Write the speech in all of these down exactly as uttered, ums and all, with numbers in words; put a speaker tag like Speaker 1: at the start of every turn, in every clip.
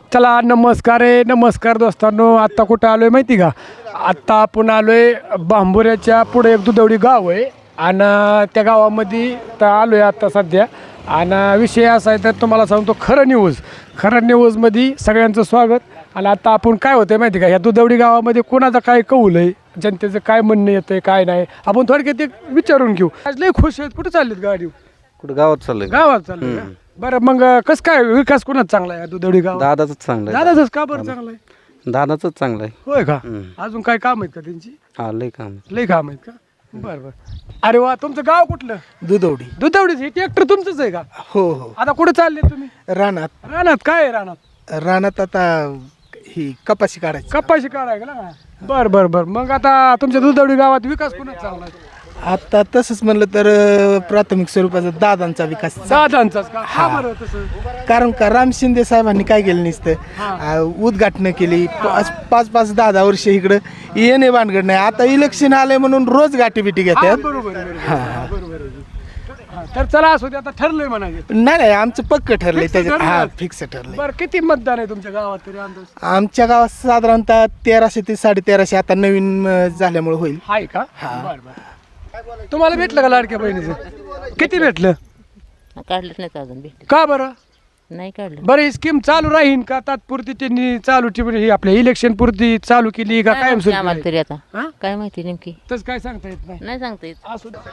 Speaker 1: चला नमस्कार आहे नमस्कार दोस्तांनो. आत्ता कुठं आलो आहे माहिती का? आत्ता आपण आलो आहे बांबुऱ्याच्या पुढे एक दुधवडी गाव आहे आणि त्या गावामध्ये तर आलो आहे आत्ता सध्या. आणि विषय असा आहे तर तुम्हाला सांगतो खरं न्यूज खरं न्यूजमध्ये सगळ्यांचं स्वागत. आणि आता आपण काय होतं आहे माहिती का, ह्या दुधवडी गावामध्ये कोणाचं काय कौल आहे, जनतेचं काय म्हणणं येतं आहे काय नाही, आपण थोडक्यात एक विचारून घेऊ. आज लय खुश आहेत. कुठं चाललीत गाडी?
Speaker 2: कुठं गावात चाललंय?
Speaker 1: गावात चाललंय का? बरं मग कसं काय विकास कोणाच चांगला आहे दुधवडी गाव?
Speaker 2: दादाच चांगलं आहे.
Speaker 1: दादाच का बरं चांगला आहे?
Speaker 2: दादाच चांगलं आहे.
Speaker 1: होय का? अजून काय काम आहेत का त्यांची?
Speaker 2: हा लय काम.
Speaker 1: लय काम आहेत का? बरं बरं. अरे वा, तुमचं गाव कुठलं?
Speaker 3: दुधवडी.
Speaker 1: दुधवडीच. हे ट्रॅक्टर तुमचंच आहे का?
Speaker 3: हो हो.
Speaker 1: आता कुठे चालले तुम्ही?
Speaker 3: रानात.
Speaker 1: रानात काय आहे रानात?
Speaker 3: रानात आता ही कपाशी काढायची.
Speaker 1: कपाशी काढाय का ना? बरं बरं बरं. मग आता तुमच्या दुधवडी गावात विकास कोणाच चांगला आहे?
Speaker 3: आता तसंच म्हणलं तर अं, प्राथमिक स्वरूपाचा दादांचा विकास.
Speaker 1: दादांचाच का? हा बरं तसं.
Speaker 3: कारण का राम शिंदे साहेबांनी काय केलं नसतं, अं, उद्घाटन केली. पाच पाच पाच दहा दहा वर्ष इकडं येणे भानगड नाही. आता इलेक्शन आले म्हणून रोज गाठी बिटी
Speaker 1: हा,
Speaker 3: घेतात.
Speaker 1: बरोबर आहे, बरोबर आहे, बरोबर आहे. हा, तर चला असू दे, आता ठरलंय म्हणायचं.
Speaker 3: नाही नाही आमचं पक्क ठरलंय
Speaker 1: Fix
Speaker 3: त्याच्यात.
Speaker 1: ठरलंय?
Speaker 3: हा फिक्स ठरलंय.
Speaker 1: बरं, किती मतदान आहे तुमच्या गावात तरी अंदाज?
Speaker 3: आमच्या गावात साधारणतः तेराशे ते साडे तेराशे आता नवीन अं, झाल्यामुळे होईल.
Speaker 1: आहे का? बरं बरं. तुम्हाला भेटलं का लाडक्या बहिणीचं? किती भेटलं?
Speaker 4: काढलंच नाही अजून भेटले
Speaker 1: का बरं?
Speaker 4: नाही काढलं.
Speaker 1: बरं, ही स्कीम चालू राहीन का तात्पुरती त्यांनी चालू ठेवली? ही आपल्या इलेक्शन पुरती चालू केली का
Speaker 4: काय
Speaker 1: कायम
Speaker 4: माहिती आम्हाला
Speaker 1: सुरू?
Speaker 4: तरी आता
Speaker 1: हा?
Speaker 4: काय माहिती नेमकी
Speaker 1: तसं काय सांगता येत नाही.
Speaker 4: नाही सांगता येत.
Speaker 1: असू दे.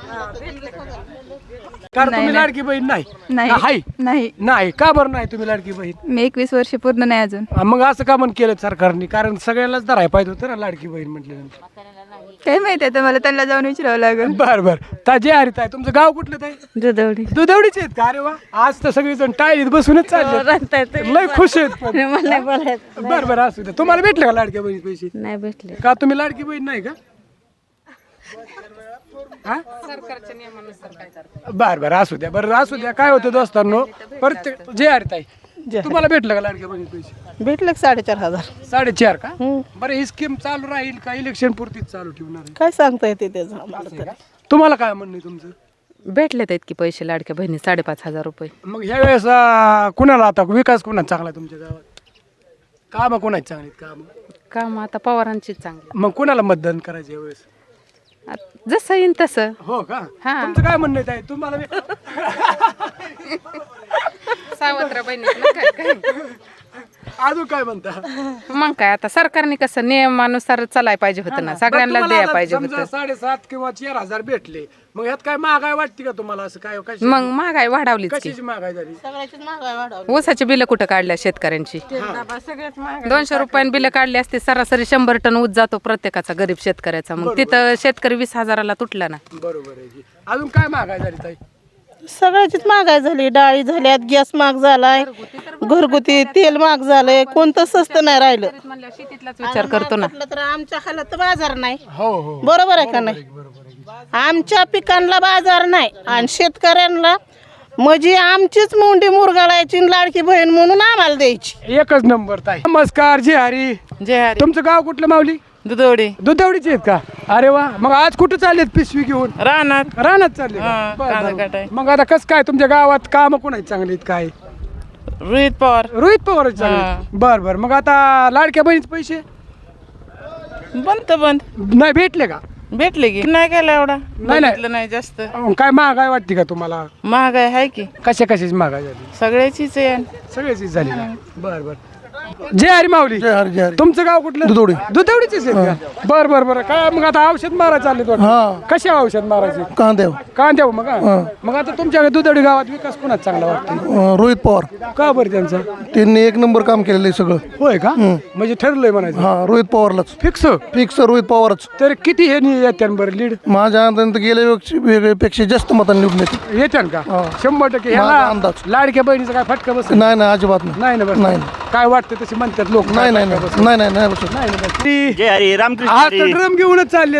Speaker 1: कारण तुम्ही लाडकी बहीण नाही?
Speaker 5: नाही
Speaker 1: का हाय?
Speaker 5: नाही
Speaker 1: नाही का बरं नाही तुम्ही लाडकी बहीण?
Speaker 5: मी एकवीस वर्ष पूर्ण नाही अजून.
Speaker 1: हा, मग असं का म्हण केलं सरकारने? कारण सगळ्यालाच धरायला पाहिजे होतं ना लाडकी बहीण म्हटल्यानंतर.
Speaker 5: काय माहिती आता मला त्यांना जाऊन विचारावं लागेल.
Speaker 1: बर बर. ताजे हरित आहे. तुमचं गाव कुठलं ताई?
Speaker 4: दुधवडी
Speaker 1: दुधवडीचे आहेत का? अरे वा, आज तर सगळेजण टाळीत बसूनच चालले, लय खुश आहेत. पण
Speaker 4: मला नाही बोलायचं.
Speaker 1: बरं बरं असू द्या. तुम्हाला भेटले का लाडक्या बहिणी पैसे?
Speaker 4: नाही भेटले.
Speaker 1: का तुम्ही लाडकी बहीण नाही का? बर बर असू द्या. बरं असू द्या. काय होतं दोस्तांनो, प्रत्येक जे हरित आहे तुम्हाला भेटलं का लाडक्या बहिणी पैसे?
Speaker 6: भेटलं की साडेचार हजार.
Speaker 1: साडेचार का? बरं, ही स्कीम चालू राहील का इलेक्शन पुरतीच चालू ठेवणार आहे?
Speaker 6: काय सांगता येते त्याचं आम्हाला
Speaker 1: असं
Speaker 6: तर.
Speaker 1: आहे का? तुम्हाला काय म्हणणं आहे तुमचं?
Speaker 4: भेटले तर इतकी पैसे लाडक्या बहिणी साडेपाच हजार रुपये.
Speaker 1: मग ह्या वेळेस अं, कुणाला आता विकास कुणाचा चांगला आहे तुमच्या गावात? काम कोणाची चांगली काम?
Speaker 4: काम आता पवारांचीच चांगली.
Speaker 1: मग कुणाला मतदान करायचं यावेळेस?
Speaker 4: आत- जसं येईन तसं.
Speaker 1: हो का?
Speaker 4: हा.
Speaker 1: तुमचं काय म्हणणं आहे ताई? तुम्हाला बी-
Speaker 4: सावत्र बहिणी
Speaker 1: अजून काय म्हणता?
Speaker 4: मग काय आता सरकारने कसं नियमानुसार चालाय पाहिजे होतं ना, सगळ्यांना
Speaker 1: बरं, तुम्हाला
Speaker 4: द्यायला
Speaker 1: आता
Speaker 4: पाहिजे
Speaker 1: समजा
Speaker 4: होतं.
Speaker 1: साडेसात किंवा चार हजार भेटले, मग ह्यात काय महागाई वाटते का तुम्हाला? असं काय कशी-
Speaker 4: मग महागाई वाढवलीच की.
Speaker 1: कशाची महागाई झाली?
Speaker 6: सगळ्याचीच महागाई वाढवली.
Speaker 4: ऊसाची बिलं कुठं काढल्या शेतकऱ्यांची?
Speaker 6: सगळ्यात महागाई.
Speaker 4: दोनशे रुपयाने बिलं काढली असते, सरासरी शंभर टन ऊस जातो प्रत्येकाचा गरीब शेतकऱ्याचा. मग तिथं शेतकरी वीस हजाराला तुटला ना.
Speaker 1: बरोबर आहे की. अजून काय महागाई झाली ताई?
Speaker 6: सगळ्याचीच महागाई झाली. डाळी झाल्यात, गॅस महाग झालाय, घरगुती तेल महाग झालंय, कोणतं स्वस्त नाही राहिलं.
Speaker 4: शेतीतलाच विचार करतो ना.
Speaker 6: म्हटलं तर आमच्या हालात बाजार नाही.
Speaker 1: हो हो.
Speaker 6: बरोबर आहे का नाही? आमच्या पिकांना बाजार नाही आणि शेतकऱ्यांना म्हणजे आमचीच मुंडी मुरगाळायची लाडकी बहीण म्हणून आम्हाला द्यायची.
Speaker 1: एकच नंबर ताई. नमस्कार. जे हरी.
Speaker 4: जय हरी.
Speaker 1: तुमचं गाव कुठलं माऊली?
Speaker 4: दुधवडी
Speaker 1: दुधवडीचे आहेत का? अरे वा. मग आज कुठं चाललेत पिशवी घेऊन?
Speaker 4: रानात.
Speaker 1: रानात चालले का?
Speaker 4: हा,
Speaker 1: बरं,
Speaker 4: कांदा
Speaker 1: बरं.
Speaker 4: काटाय.
Speaker 1: मग आता कसं काय तुमच्या गावात काम कोणाची चांगली आहेत काय?
Speaker 4: रोहित पवार
Speaker 1: रोहित पवार चांगले. बर बर. मग आता लाडक्या बहिणीचे पैसे
Speaker 4: बंद बंद
Speaker 1: नाही भेटले का?
Speaker 4: भेटले की नाही केलं एवढा.
Speaker 1: नाही, नाही.
Speaker 4: नाही जास्त.
Speaker 1: अहो, काय महागाई वाटते का तुम्हाला?
Speaker 4: महागाई आहे की
Speaker 1: कशा कशाची महागाई झाली?
Speaker 4: सगळ्याचीच आहे.
Speaker 1: सगळ्याचीच झाली का? बर बर. जय हरी माऊली. तुमचं गाव कुठलं? दुधवडी. दुधवडीचेच आहेत का? बर बर बर. काय मग आता औषध मारायचं चालले वाटतं? कशा औषध मारायचे?
Speaker 7: कांद्या
Speaker 1: कांद्या मग हा? मग आता तुमच्या दुधवडी गावात विकास कोणाच चांगला वाटतो?
Speaker 7: रोहित पवार
Speaker 1: का बरं त्यांचा?
Speaker 7: त्यांनी एक नंबर काम केलेलं आहे सगळं.
Speaker 1: होय का? म्हणजे ठरलंय म्हणायचं
Speaker 7: हा रोहित पवारलाच
Speaker 1: फिक्स.
Speaker 7: फिक्स रोहित पवारच.
Speaker 1: तर किती हे येत्या बरं लीड?
Speaker 7: माझ्या अंदाजाने गेल्या वेळेस- वेगळ्यापेक्षा जास्त मतांनी निवडून येते.
Speaker 1: येत्या का? शंभर टक्के.
Speaker 7: माझा
Speaker 1: ह्याला
Speaker 7: अंदाज.
Speaker 1: लाडक्या बहिणीचा काय फटका बस?
Speaker 7: नाही नाही अजिबात नाही.
Speaker 1: नाही ना बस.
Speaker 7: नाही.
Speaker 1: काय वाटतं तसे म्हणतात लोक?
Speaker 7: नाही नाही नाही नाही नाही नाही बसत.
Speaker 1: नाही ना बस. ती-
Speaker 8: जय हरी रामकृष्ण
Speaker 1: आज
Speaker 8: हरी.
Speaker 1: तर ड्रम घेऊनच चाललेत.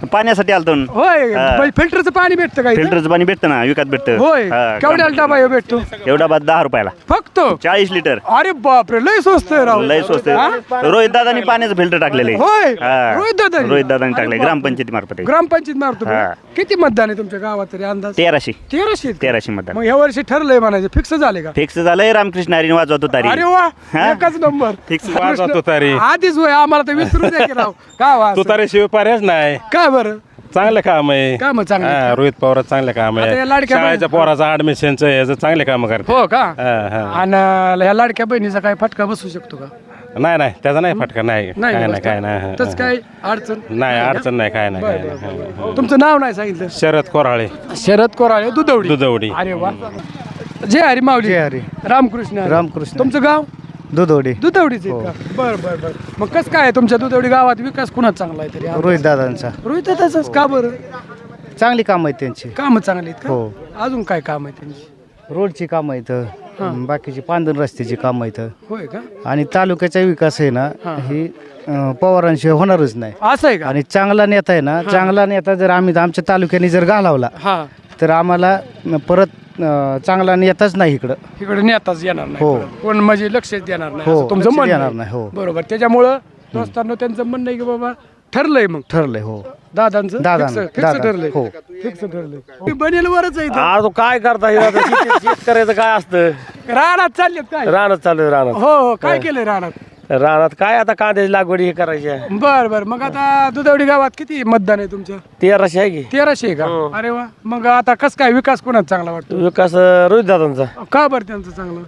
Speaker 8: पाण्यासाठी आलतो न.
Speaker 1: होय
Speaker 8: हा.
Speaker 1: म्हणजे फिल्टरचं पाणी भेटतं का इथं?
Speaker 8: फिल्टरचं पाणी भेटतं ना विकत भेटतं
Speaker 1: होय
Speaker 8: हा,
Speaker 1: केवढ्याला डबा ह्यो भेटतो
Speaker 8: एवढा बाद दहा रुपयाला
Speaker 1: फक्त
Speaker 8: चाळीस लिटर
Speaker 1: अरे बापरे लय स्वस्त आहे राव
Speaker 8: लय स्वस्त रोहित दादानी पाण्याचं फिल्टर टाकलेलं आहे.
Speaker 1: होय
Speaker 8: हा.
Speaker 1: रोहित दादा
Speaker 8: रोहित दादानी टाकलंय ग्रामपंचायती मार्फत
Speaker 1: ग्रामपंचायत मारतो
Speaker 8: हा.
Speaker 1: किती मतदान आहे तुमच्या गावात तरी अंदाज
Speaker 8: तेराशे
Speaker 1: तेराशे आहेत का?
Speaker 8: तेराशे मतदान
Speaker 1: मग ह्या वर्षी ठरलंय म्हणायचं फिक्स झाले का
Speaker 8: फिक्स झालंय रामकृष्ण हरी वाजवतो तारी
Speaker 1: अरे वा
Speaker 8: हा?
Speaker 1: एकच नंबर
Speaker 8: फिक्स
Speaker 9: वाजवतो तारी.
Speaker 1: आधीच होय आम्हाला तर विसरू द्या की राव का वा
Speaker 9: तू तारे शिवाय पर्यायच नाही
Speaker 1: काय बरं
Speaker 9: चांगलं काम आहे
Speaker 1: काम चांगलं
Speaker 9: हा, रोहित पवार चांगलं काम
Speaker 1: आता या
Speaker 9: आहे
Speaker 1: लाडक्या
Speaker 9: शाळेच्या पोराचं ऍडमिशनचं याचं चांगले काम करते
Speaker 1: हो का
Speaker 9: हा, हा.
Speaker 1: आणि ह्या लाडक्या बहिणीचा काय फटका बसू शकतो का
Speaker 9: नाही नाही त्याचा नाही फटका नाही
Speaker 1: नाही
Speaker 9: काय
Speaker 1: बसतो.
Speaker 9: नाही काय नाही
Speaker 1: तसं काय अडचण
Speaker 9: नाही अडचण नाही काय नाही
Speaker 1: बरं,
Speaker 9: काय
Speaker 1: बरं,
Speaker 9: नाही
Speaker 1: बरं. तुमचं नाव नाही सांगितलं
Speaker 9: शरद कोराळे
Speaker 1: शरद कोराळे दुधवडी
Speaker 9: दुधवडी
Speaker 1: अरे वा जय हरी माऊली
Speaker 3: जय हरी.
Speaker 1: रामकृष्ण हरी.
Speaker 3: रामकृष्ण.
Speaker 1: तुमचं गाव
Speaker 3: दुधोडी
Speaker 1: दुधवडीच आहे का बर बर बर मग कसं काय आहे तुमच्या दुधवडी गावात विकास कुणाच चांगला आहे तरी
Speaker 3: रोहित दादांचा
Speaker 1: रोहित दादाचाच का बरं
Speaker 3: चांगली काम आहेत त्यांची
Speaker 1: काम चांगली आहेत
Speaker 3: हो.
Speaker 1: का अजून काय काम आहे त्यांची
Speaker 3: रोडची कामं आहेत बाकीची पांधन रस्त्याची कामं आहेत
Speaker 1: होय का
Speaker 3: आणि तालुक्याचा विकास आहे ना ही अं, पवारांशिवाय होणारच नाही
Speaker 1: असं आहे का
Speaker 3: आणि चांगला नेता आहे ना चांगला नेता जर आम्ही आमच्या तालुक्याने जर घालवला
Speaker 1: हा
Speaker 3: तर आम्हाला अं, परत अं, चांगला नेताच नाही इकडं
Speaker 1: इकडे नेताच येणार नाही
Speaker 3: हो.
Speaker 1: परत. कोण म्हणजे लक्षच देणार नाही
Speaker 3: हो,
Speaker 1: असं तुमचं
Speaker 3: लक्ष
Speaker 1: म्हणणं
Speaker 3: देणार
Speaker 1: आहे.
Speaker 3: नाही, हो.
Speaker 1: बरोबर त्याच्यामुळं दोस्तांनो त्यांचं म्हणणं आहे की बाबा ठरलंय मग
Speaker 3: ठरलंय हो
Speaker 1: दादांचं
Speaker 3: दादांचं,
Speaker 1: फिक्स
Speaker 3: दादा,
Speaker 1: ठरलंय
Speaker 3: हो.
Speaker 1: फिक्स ठरलंय बनेल वरच आहे इथं.
Speaker 10: आज काय करता येईल आता शेती- शेतकऱ्याचं काय असतं
Speaker 1: रानात चाललेत काय
Speaker 10: रानात चालू आहे रानात
Speaker 1: हो हो काय केलंय रानात
Speaker 10: रानात काय आता कांद्याची लागवड हे करायची आहे
Speaker 1: बर बर मग आता दुधवडी गावात किती मतदान आहे तुमच्या
Speaker 10: तेराशे आहे की
Speaker 1: तेराशे आहे का अरे वा मग आता कस काय विकास कोणाचा चांगला वाटतो
Speaker 10: विकास रोहित दादांचा
Speaker 1: का बरं त्यांचं चांगलं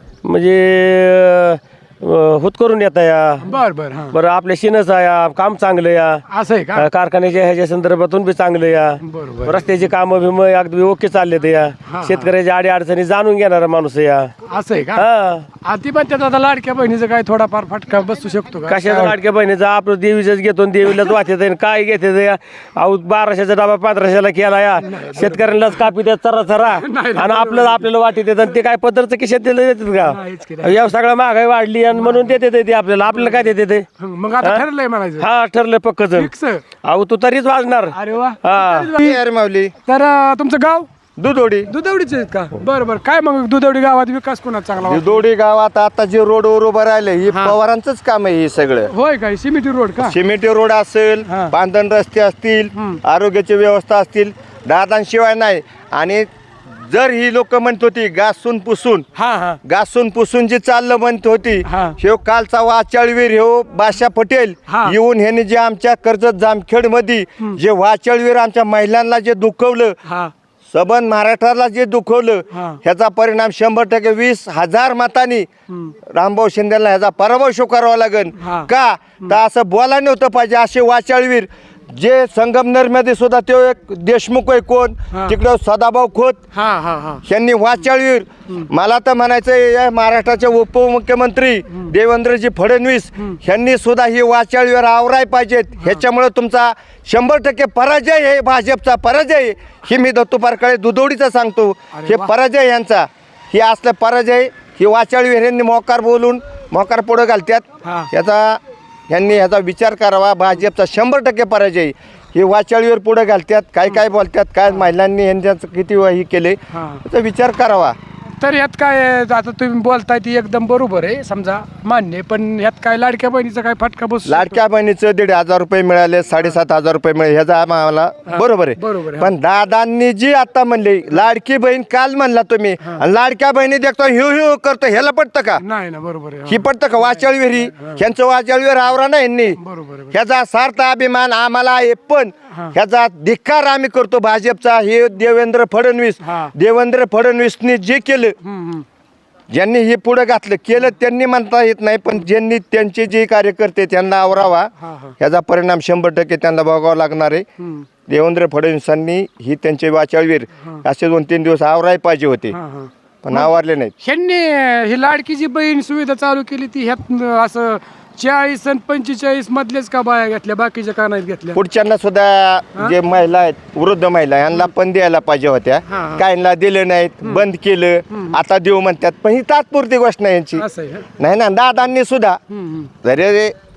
Speaker 10: म्हणजे अं, हुतकरून येता या
Speaker 1: बर बर हा
Speaker 10: बरं आपल्या शिनचा या काम चांगलं या
Speaker 1: असं आहे का
Speaker 10: अं, कारखान्याच्या ह्याच्या संदर्भातून बी चांगलं या
Speaker 1: बरोबर
Speaker 10: रस्त्याची कामं बिम अगदी ओके चालले ते या शेतकऱ्याच्या आडी अडचणी जाणून घेणारा माणूस आहे या
Speaker 1: असं आहे का
Speaker 10: हा
Speaker 1: आधी पण त्यात आता लाडक्या बहिणीचा काय थोडाफार फटका बसू शकतो का
Speaker 10: कशाचा लाडक्या बहिणीचा आपलं देवीचंच घेतो आणि देवीलाच वाचत काय घेते या अहो बाराशेचा डबा पंधराशेला केला या शेतकऱ्यांनाच कापी देत चरा चरा
Speaker 1: नाही,
Speaker 10: आणि आपल्याला आपल्याला वाटी देतात आणि ते काय पदरचं की शेतीला देतात
Speaker 1: नाहीच की
Speaker 10: का या सगळ्या महागाई वाढली आणि म्हणून देते ते ते आपल्याला आपल्याला काय देते ते
Speaker 1: हं, मग आता ठरलंय म्हणायचं
Speaker 10: हा ठरलं पक्क जण
Speaker 1: फिक्स
Speaker 10: अहो तू तरीच वाजणार
Speaker 1: अरे वा
Speaker 10: हा
Speaker 3: माऊली
Speaker 1: तर अं, तुमचं गाव
Speaker 3: दुधोडी
Speaker 1: दुधवडीचे आहेत का बरं बरं काय मग दुधवडी गावात विकास कोणाचा चांगला वाटतो?
Speaker 3: दुधोडी गावात आता जे रोडवर उभं राहिले ही पवारांचंच काम आहे हे सगळं
Speaker 1: होय काय सिमेंटी रोड का
Speaker 3: सिमेंटी रोड असेल
Speaker 1: हा.
Speaker 3: बांधण रस्ते असतील आरोग्याची व्यवस्था असतील दादांशिवाय नाही आणि जर ही लोक म्हणत होती घासून पुसून
Speaker 1: हा हा
Speaker 3: घासून पुसून जी चाललं म्हणत होती
Speaker 1: हा.
Speaker 3: ह्यो कालचा वाचाळवीर ह्यो बादशा पटेल
Speaker 1: हा.
Speaker 3: येऊन ह्याने जे आमच्या कर्जत जामखेड मध्ये जे वाचाळवीर आमच्या महिलांना जे दुखवलं
Speaker 1: हा
Speaker 3: सबंध महाराष्ट्राला जे दुखवलं
Speaker 1: हा.
Speaker 3: ह्याचा परिणाम शंभर टक्के वीस हजार मतांनी रामभाऊ शिंदेला ह्याचा पराभव स्वीकारावा लागेल
Speaker 1: हा.
Speaker 3: का तर असं बोला नव्हतं पाहिजे असे वाचाळवीर जे संगमनेर मध्ये सुद्धा तो एक देशमुख आहे कोण
Speaker 1: हा.
Speaker 3: तिकडं सदाभाऊ खोत
Speaker 1: हा हा हा
Speaker 3: यांनी वाचाळवीर मला तर म्हणायचं या महाराष्ट्राचे उपमुख्यमंत्री देवेंद्रजी फडणवीस यांनी सुद्धा ही वाचाळवीर आवराय पाहिजेत ह्याच्यामुळे तुमचा शंभर टक्के पराजय आहे भाजपचा पराजय आहे. ही मी दत्तूपारकाळे दुधोडीचा सांगतो हे पराजय यांचा ही असलं पराजय ही वाचाळवीर यांनी मोकार बोलून मोकार पुढं घालतात
Speaker 1: हा.
Speaker 3: याचा यांनी ह्याचा विचार करावा भाजपचा शंभर टक्के पराजय हे वाचाळीवर पुढे घालतात काय काय बोलतात काय महिलांनी यांच्याचं किती हे केले
Speaker 1: हा.
Speaker 3: याचा विचार करावा
Speaker 1: तर यात काय आहे, आता तुम्ही बोलताय ती एकदम बरोबर आहे समजा मान्य आहे, पण यात काय लाडक्या बहिणीचा काय फटका बसू शकतो?
Speaker 3: लाडक्या बहिणीचं दीड हजार रुपये मिळाले साडेसात हजार रुपये मिळाले ह्याचा आम्हाला बरोबर
Speaker 1: बरोबर
Speaker 3: आहे
Speaker 1: आहे.
Speaker 3: पण दादांनी जी आता म्हणली लाडकी बहीण काल म्हणला तुम्ही आणि लाडक्या बहिणी देखतो ह्यू ह्यू करतो ह्याला पटतं का
Speaker 1: नाही ना बरोबर आहे
Speaker 3: ही पटतं का वाचाळवीर ही ह्यांचं वाचाळवीर आवरा ना यांनी
Speaker 1: बरोबर आहे.
Speaker 3: ह्याचा सार्थ अभिमान आम्हाला आहे पण ह्याचा धिक्कार आम्ही करतो भाजपचा हे देवेंद्र फडणवीस
Speaker 1: हा.
Speaker 3: देवेंद्र फडणवीसनी जे केलं
Speaker 1: हम्म, हम्म.
Speaker 3: ज्यांनी हे पुढे घातलं केलं त्यांनी म्हणता येत नाही पण ज्यांनी त्यांचे जे कार्यकर्ते त्यांना आवरावा
Speaker 1: हा, हा.
Speaker 3: ह्याचा परिणाम शंभर टक्के त्यांना भोगावा लागणार आहे
Speaker 1: हम्म.
Speaker 3: देवेंद्र फडणवीसांनी ही त्यांचे वाचाळवीर असे दोन तीन दिवस आवराय पाहिजे होते
Speaker 1: हा, हा.
Speaker 3: पण आवरले नाहीत
Speaker 1: ह्यांनी ही लाडकी जी बहीण सुविधा चालू केली ती ह्यात असं चाळीस आणि पंचेचाळीस मधलेच का बाया घेतल्या बाकीच्या का नाही घेतल्या
Speaker 3: पुढच्यांना सुद्धा जे महिला आहेत वृद्ध महिला यांना पण द्यायला पाहिजे होत्या
Speaker 1: हा.
Speaker 3: काहींना दिले नाहीत बंद केलं आता देऊ म्हणतात पण ही तात्पुरती गोष्ट नाही यांची
Speaker 1: असं आहे का?
Speaker 3: नाही ना दादांनी सुद्धा
Speaker 1: हम्म, हम्म.
Speaker 3: जरी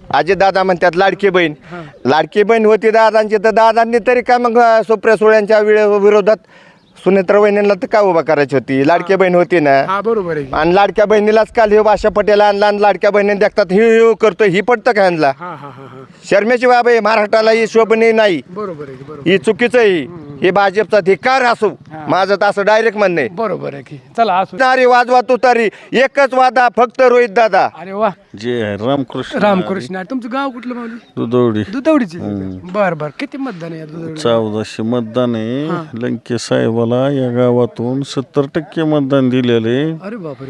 Speaker 3: अजितदादा म्हणतात लाडकी बहीण लाडकी बहीण होती दादांची तर दादांनी तरी काय मग अं, सुप्रिया सुळ्यांच्या विरो- विरोधात सुनेत्रा वहिनीला तर काय उभा करायची होती लाडकी बहीण होती ना.
Speaker 1: हा बरोबर आहे की.
Speaker 3: आणि लाडक्या बहिणीलाच काल हे भाषा पटेल आणला आणि लाडक्या बहिणीने देखतात ही ही करतो ही पडतं का ह्यांना.
Speaker 1: हा हा हा हा
Speaker 3: शर्मेची बाब आहे महाराष्ट्राला ही शोभनीय नाही.
Speaker 1: बरोबर आहे की, बरोबर
Speaker 3: ही चुकीचं आहे. हे भाजपचा धिक्कार असो माझं तर असं डायरेक्ट म्हणणं आहे.
Speaker 1: बरोबर आहे की. चला असू.
Speaker 3: नारी वाजवा तुतारी एकच वादा फक्त रोहित दादा.
Speaker 1: अरे वा
Speaker 9: जे आहे रामकृष्ण
Speaker 1: रामकृष्ण आहे. तुमचं गाव कुठलं माऊली?
Speaker 9: दुधवडी
Speaker 1: दुधवडीचे बर बर किती मतदान आहे या दुधवडी?
Speaker 9: चौदाशे मतदान आहे लंके साहेबाला या गावातून सत्तर टक्के मतदान दिलेले.
Speaker 1: अरे बापरे.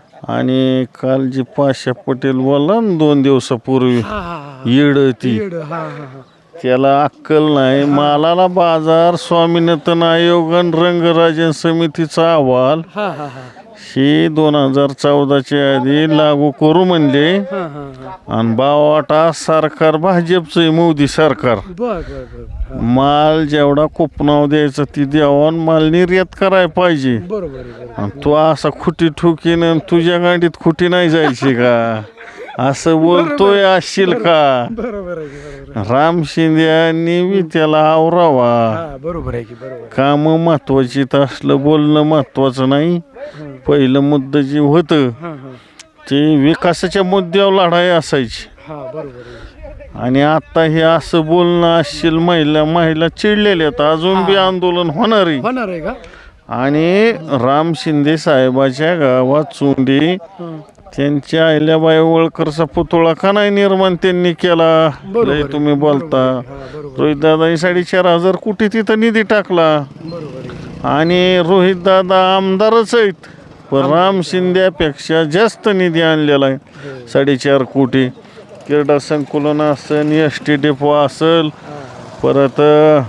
Speaker 9: आणि काल जी पाशा पटेल बोलला ना दोन दिवसापूर्वी
Speaker 1: हा हा हा
Speaker 9: येड ती
Speaker 1: येड. हा हा हा
Speaker 9: त्याला अक्कल नाही. मालाला बाजार स्वामीनाथन आयोग आणि रंगराजन समितीचा अहवाल
Speaker 1: हा हा हा
Speaker 9: ही दोन हजार चौदाच्या आधी लागू करू म्हणले.
Speaker 1: हा हा हा
Speaker 9: आणि बावाटा सरकार भाजपचं आहे, मोदी सरकार.
Speaker 1: बर बर बर
Speaker 9: माल जेवढा कोपनाव द्यायचा ती द्यावा माल निर्यात करायला पाहिजे.
Speaker 1: बरोबर आहे बरोबर.
Speaker 9: आणि तू असा खुटी ठुकीन आणि तुझ्या गाडीत खुटी नाही जायची का असं बोलतोय असशील का.
Speaker 1: बरोबर आहे की, बरोबर आहे.
Speaker 9: राम शिंदे यांनी बी त्याला आवरावा.
Speaker 1: हा बरोबर आहे की, बरोबर आहे.
Speaker 9: काम महत्वाची तर असलं बोलणं महत्वाचं नाही. पहिलं मुद्दा जे होतं
Speaker 1: हा हा
Speaker 9: ते विकासाच्या मुद्द्यावर लढाई असायची.
Speaker 1: हा बरोबर आहे.
Speaker 9: आणि आता हे असं बोलणं असशील महिला महिला चिडलेल्या आहेत. अजून बी आंदोलन होणार आहे.
Speaker 1: होणार आहे का?
Speaker 9: आणि राम शिंदे साहेबाच्या गावात चोंडी त्यांच्या अहिल्याबाई होळकरचा पुतळा का नाही निर्माण त्यांनी केला. लय तुम्ही बोलता. रोहित दादानी साडेचार हजार कोटी तिथं निधी टाकला.
Speaker 1: बरोबर आहे.
Speaker 9: आणि रोहित दादा आमदारच आहेत पण राम शिंद्यापेक्षा जास्त निधी आणलेला आहे साडेचार कोटी. क्रीडा संकुलन असेल एस टी डेपो असेल परत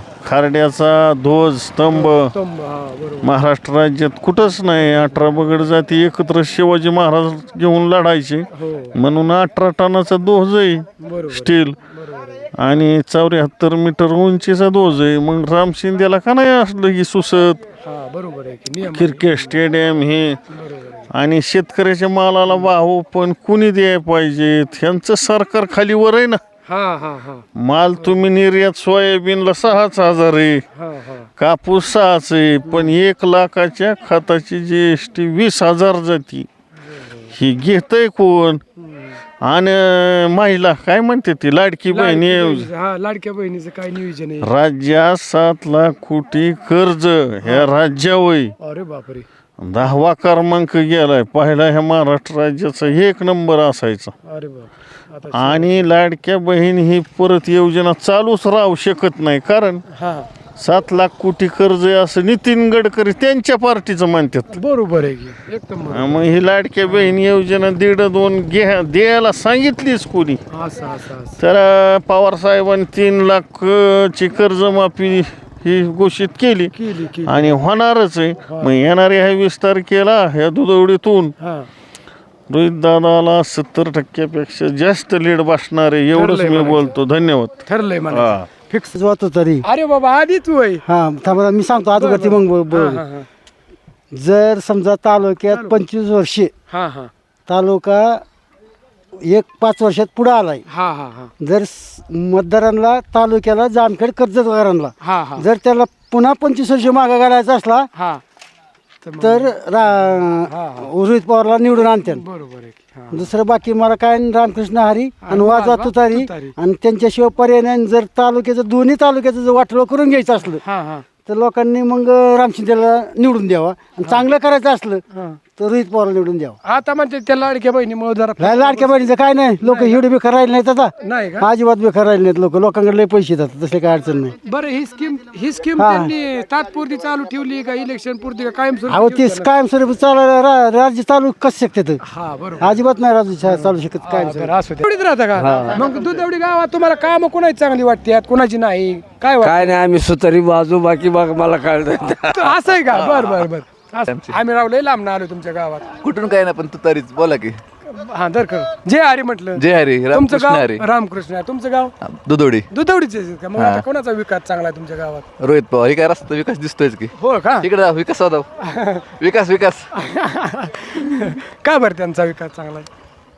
Speaker 9: खारड्याचा ध्वज स्तंभ
Speaker 1: स्तंभ, हा बरोबर.
Speaker 9: महाराष्ट्र राज्यात कुठंच नाही. अठरा बगड जाती एकत्र शिवाजी महाराज घेऊन लढायचे
Speaker 1: हो
Speaker 9: म्हणून अठरा टनाचा ध्वज आहे
Speaker 1: बरोबर
Speaker 9: स्टील
Speaker 1: बरोबर आहे.
Speaker 9: आणि चौऱ्याहत्तर मीटर उंचीचा ध्वज आहे. मग राम शिंदेला का नाही असलं की सुसत.
Speaker 1: हा बरोबर आहे की. नियम
Speaker 9: क्रिकेट स्टेडियम हे
Speaker 1: बरोबर आहे.
Speaker 9: आणि शेतकऱ्याच्या मालाला भाव पण कुणी द्यायला पाहिजे. ह्यांचं सरकार खालीवर आहे ना.
Speaker 1: हा हा हा
Speaker 9: माल तुम्ही निर्यात सोयाबीनला सहाच हजार आहे
Speaker 1: हा हा
Speaker 9: कापूस सहाच आहे पण एक लाखाच्या खताची जी एस टी वीस हजार जाती ही घेतय कोण. आणि महिला काय म्हणते ती लाडकी बहीण योजना.
Speaker 1: हा लाडक्या बहिणीचं काय नियोजन आहे?
Speaker 9: राज्यात सात लाख कोटी कर्ज ह्या राज्यावय
Speaker 1: अरे बापरे.
Speaker 9: दहावा क्रमांक गेलाय. पहिला ह्या महाराष्ट्र राज्याचा एक नंबर असायचा.
Speaker 1: अरे बाप. आता
Speaker 9: आणि लाडक्या बहीण ही परत योजना चालूच राहू शकत नाही कारण
Speaker 1: हा
Speaker 9: सात लाख कोटी कर्ज आहे असं नितीन गडकरी त्यांच्या पार्टीचं म्हणतात.
Speaker 1: बरोबर आहे की एकदम बरोबर.
Speaker 9: मग ही लाडक्या बहीण योजना दीड दोन घ्या द्यायला सांगितलीच कोणी.
Speaker 1: असं असं असं
Speaker 9: तर पवार साहेबांनी तीन लाख ची कर्जमाफी ही घोषित केली
Speaker 1: केली केली.
Speaker 9: आणि होणारच आहे. मग येणाऱ्या ह्या विस्तार केला ह्या दुधवडीतून
Speaker 1: हा
Speaker 7: रोहित दादाला सत्तर टक्क्यापेक्षा जास्त लीड बसणार आहे एवढंच
Speaker 1: ठरलंय
Speaker 7: मी
Speaker 1: म्हणायचं.
Speaker 7: बोलतो. धन्यवाद.
Speaker 1: ठरलंय मला
Speaker 7: हा.
Speaker 1: फिक्स
Speaker 11: वाचतो तरी
Speaker 1: अरे बाबा आधीच वय
Speaker 11: हा थांबा मी सांगतो आता करते मग ब-
Speaker 1: हा
Speaker 11: ब-
Speaker 1: हा हा
Speaker 11: जर समजा तालुक्यात पंचवीस वर्षे
Speaker 1: हा हा
Speaker 11: तालुका एक पाच वर्षात पुढे आलाय
Speaker 1: हा हा हा
Speaker 11: जर स- मतदारांना तालुक्याला जामखेड कर्जतदारांना
Speaker 1: हा हा
Speaker 11: जर त्याला पुन्हा पंचवीस वर्ष मागा घालायचा असला
Speaker 1: हा तर मग-
Speaker 11: तर रा- रोहित पवारला निवडून आणते.
Speaker 1: बरोबर आहे की. हा.
Speaker 11: दुसरं बाकी मला काय नाही, रामकृष्ण हरी आणि
Speaker 1: आणि
Speaker 11: वाजवा
Speaker 1: वाजवा
Speaker 11: तुतारी
Speaker 1: तुतारी.
Speaker 11: आणि त्यांच्याशिवाय पर्याय नाही. जर तालुक्याचं दोन्ही तालुक्याचं जर वाटलं करून घ्यायचं असलं
Speaker 1: हा हा
Speaker 11: तर लोकांनी मग रामशिंदेला निवडून द्यावा आणि चांगलं करायचं असलं
Speaker 1: हा.
Speaker 11: तर रोहित पवारला निवडून द्यावा.
Speaker 1: आता म्हणते त्या लाडक्या बहिणीमुळे जरा
Speaker 11: ला- लाडक्या बहिणीचं काय नाही लोक एवढे बेकार राहिले नाहीत आता
Speaker 1: नाही का
Speaker 11: अजिबात बेकार राहिले नाहीत लोक लोकांकडे लय पैसे येतात तसे काय अडचण नाही.
Speaker 1: बरं ही स्कीम ही स्कीम
Speaker 11: हा.
Speaker 1: त्यांनी तात्पुरती चालू ठेवली का इलेक्शन पुरती का कायम
Speaker 11: अहो ते कायमस्वरूपी चालायला रा- राज्य चालू कसं शकते
Speaker 1: हा बरोबर
Speaker 11: अजिबात नाही राज्य चा- चालू शकत काय
Speaker 1: बरं असू दे. एवढीच राहता का मग दुधवडी गावात तुम्हाला काम कोणाची चांगली वाटते कोणाची नाही काय वाटतं?
Speaker 10: काय नाही आम्ही सुतारी बाजू बाकी बाग मला कळत
Speaker 1: असं आहे का बर बर बर असं. आम्ही रावले लांब आलो तुमच्या गावात
Speaker 12: कुठून काय ना पण तू तरीच बोला की.
Speaker 1: हा दर कर जय हरी म्हटलं.
Speaker 12: जय हरी
Speaker 1: तुमचं
Speaker 12: रामकृष्ण
Speaker 1: गाव
Speaker 12: हरी
Speaker 1: रामकृष्ण आहे. तुमचं गाव
Speaker 12: दुधोडी
Speaker 1: दुधवडीचे का मग आता कोणाचा विकास चांगला आहे तुमच्या गावात
Speaker 12: रोहित पवार हे काय रस्ता विकास दिसतोयच की.
Speaker 1: हो का
Speaker 12: इकडे जा, विकास होता विकास विकास
Speaker 1: का बरं त्यांचा विकास चांगला आहे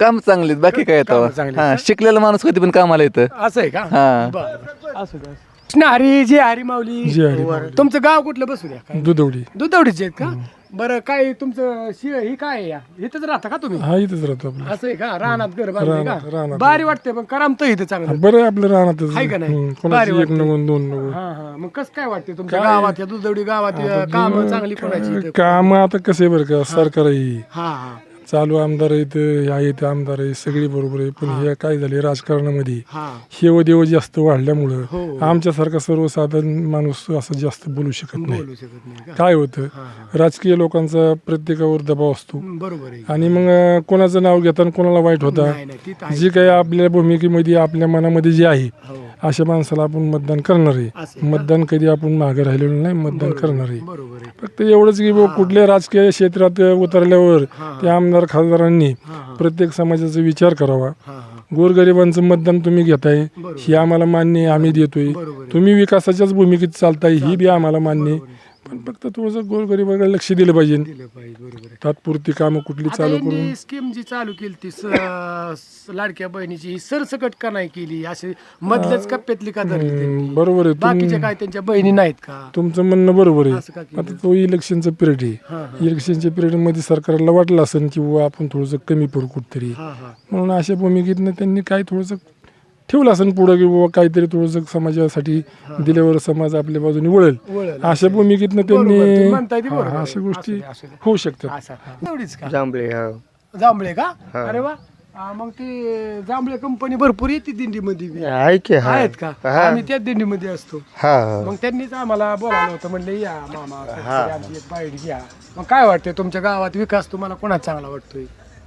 Speaker 12: काम चांगलीत बाकी काय येतं
Speaker 1: चांगली
Speaker 12: हा शिकलेला माणूस कधी पण कामाला येतं
Speaker 1: असं आहे का
Speaker 12: हा.
Speaker 1: बरं, बरं. असू द्या कृष्ण हरी जे हरी माऊली तुमचं गाव कुठलं बसू द्या काय?
Speaker 11: दुधवडी
Speaker 1: दुधवडीचे आहेत का बरं काय तुमचं शि ही काय आहे या इथंच राहता का तुम्ही
Speaker 11: हा इथंच राहतो आपलं
Speaker 1: असं आहे का रानात घर बांधलंय
Speaker 11: रानात-
Speaker 1: का
Speaker 11: रानात.
Speaker 1: भारी वाटते पण करामतं इथं चांगलं
Speaker 11: बरं आहे आपलं राहणारच
Speaker 1: आहे का नाही?
Speaker 11: हम्म,
Speaker 1: भारी
Speaker 11: कोणाची एक
Speaker 1: वाटतं.
Speaker 11: नको दोन नको
Speaker 1: हा हा मग कसं काय वाटते तुमच्या गावात या दुधवडी गावात काम चांगली कोणाची इथं?
Speaker 11: काम आता कसं आहे बरं का सरकार आहे
Speaker 1: हा हा
Speaker 11: चालू आमदार आहेत ह्या येते आमदार आहे सगळी बरोबर आहे पण हे काय झाले राजकारणामध्ये
Speaker 1: हा
Speaker 11: हेव देव जास्त वाढल्यामुळं
Speaker 1: हो.
Speaker 11: आमच्यासारखा सर्वसाधारण माणूस असं जास्त बोलू शकत नाही
Speaker 1: बोलू शकत नाही का
Speaker 11: काय होतं राजकीय लोकांचा प्रत्येकावर दबाव असतो
Speaker 1: बरोबर आहे
Speaker 11: आणि मग अं, कोणाचं नाव घेताना कोणाला वाईट होता
Speaker 1: नाही नाही ती तर आहे.
Speaker 11: जी काही आपल्या भूमिकेमध्ये आपल्या मनामध्ये जे आहे
Speaker 1: हो.
Speaker 11: अशा माणसाला आपण मतदान करणार
Speaker 1: असं
Speaker 11: आहे मतदान कधी आपण मागे राहिलेलो नाही मतदान करणार आहे
Speaker 1: बरोबर आहे
Speaker 11: फक्त एवढंच की बुवा कुठल्या राजकीय क्षेत्रात उतरल्यावर त्या आमदार खासदारांनी प्रत्येक समाजाचा विचार करावा
Speaker 1: हा हा
Speaker 11: गोरगरिबांचं मतदान तुम्ही घेताय ही आम्हाला मान्य आहे आम्ही देतोय तुम्ही विकासाच्याच भूमिकेत चालताय ही बी आम्हाला मान्य आहे पण फक्त थोडंसं गोरगरिबाकडे लक्ष दिलं पाहिजे
Speaker 1: दिलं पाहिजे बरोबर आहे
Speaker 11: तात्पुरती कामं कुठली
Speaker 1: आता
Speaker 11: चालू करून
Speaker 1: यांनी स्कीम जी चालू केली ती स- स- लाडक्या बहिणीची ही सरसकट का नाही केली असे मधल्याच कप्प्यातली का धरली त्यांनी?
Speaker 11: बरोबर आहे तुम-
Speaker 1: बाकीच्या काय त्यांच्या बहिणी नाहीत का
Speaker 11: तुमचं म्हणणं बरोबर
Speaker 1: असं का
Speaker 11: आहे
Speaker 1: केलं?
Speaker 11: आता तो इलेक्शनचा पिरियड आहे इलेक्शनच्या पिरियडमध्ये सरकारला वाटलं असेल की बुवा आपण थोडंसं कमी पडू कुठतरी
Speaker 1: हा हा
Speaker 11: म्हणून अशा भूमिकेतनं त्यांनी काय थोडंसं ठेवलं असेल पुढं की बाबा काहीतरी थोडंसं समाजासाठी दिल्यावर समाज आपल्या बाजूने वळेल
Speaker 1: वळेल.
Speaker 11: अशा भूमिकेतनं
Speaker 1: बरोबर, तुम्ही
Speaker 11: त्यांनी
Speaker 1: म्हणताय ते
Speaker 11: हा,
Speaker 1: बरोबर आहे.
Speaker 11: अशा गोष्टी
Speaker 1: असू दे, असू दे.
Speaker 11: होऊ शकतात
Speaker 1: असं एवढीच का
Speaker 3: जांभळे हा
Speaker 1: जांभळे का अरे वा हा, मग ते जांभळे कंपनी भरपूर येते दिंडीमध्ये बी.
Speaker 3: आहे की हा
Speaker 1: आहेत का आम्ही त्याच दिंडीमध्ये असतो
Speaker 3: हा
Speaker 1: मग त्यांनीच आम्हाला बोलावलं होतं म्हणले या मामा कधीतरी आमची एक बाईट घ्या मग काय वाटतंय तुमच्या गावात विकास तुम्हाला कोणाचा चांगला वाटतोय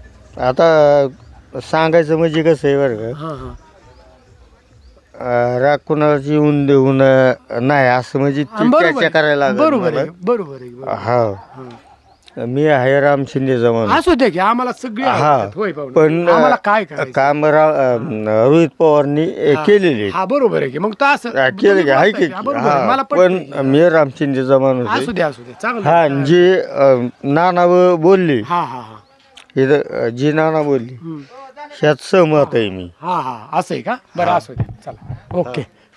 Speaker 3: आता सांगायचं म्हणजे कसं आहे बरं का
Speaker 1: हा हा
Speaker 3: अं, राग कुणाची येऊन देऊन अं, नाही असं म्हणजे ती
Speaker 1: बरोबर
Speaker 3: चर्चा
Speaker 1: आहे.
Speaker 3: करायला लागेल
Speaker 1: बरोबर
Speaker 3: मला.
Speaker 1: आहे बरोबर आहे बरोबर.
Speaker 3: हा मी आहे राम शिंदे जमान
Speaker 1: असू दे की आम्हाला सगळे
Speaker 3: हा
Speaker 1: आवडतात. होय पाहुणे.
Speaker 3: पण
Speaker 1: आम्हाला काय करायचं?
Speaker 3: काम रा- अं, रोहित पवारनी अं, केलेले आहेत.
Speaker 1: हा बरोबर आहे की मग तर असं
Speaker 3: हा, केले की आहे की
Speaker 1: हा, बरोबर आहे.
Speaker 3: हा,
Speaker 1: मला
Speaker 3: पण
Speaker 1: पटतंय.
Speaker 3: मी राम शिंदे जमान
Speaker 1: असू
Speaker 3: होते
Speaker 1: दे असू दे चांगलं
Speaker 3: हा
Speaker 1: आहे.
Speaker 3: जी अं, नाना ब- बोलली
Speaker 1: हा हा हा
Speaker 3: इथं अं, जी नाना बोलली
Speaker 1: हम्म.
Speaker 3: ह्यात सहमत आहे मी
Speaker 1: हा हा असं आहे का बरं असू दे चला ओके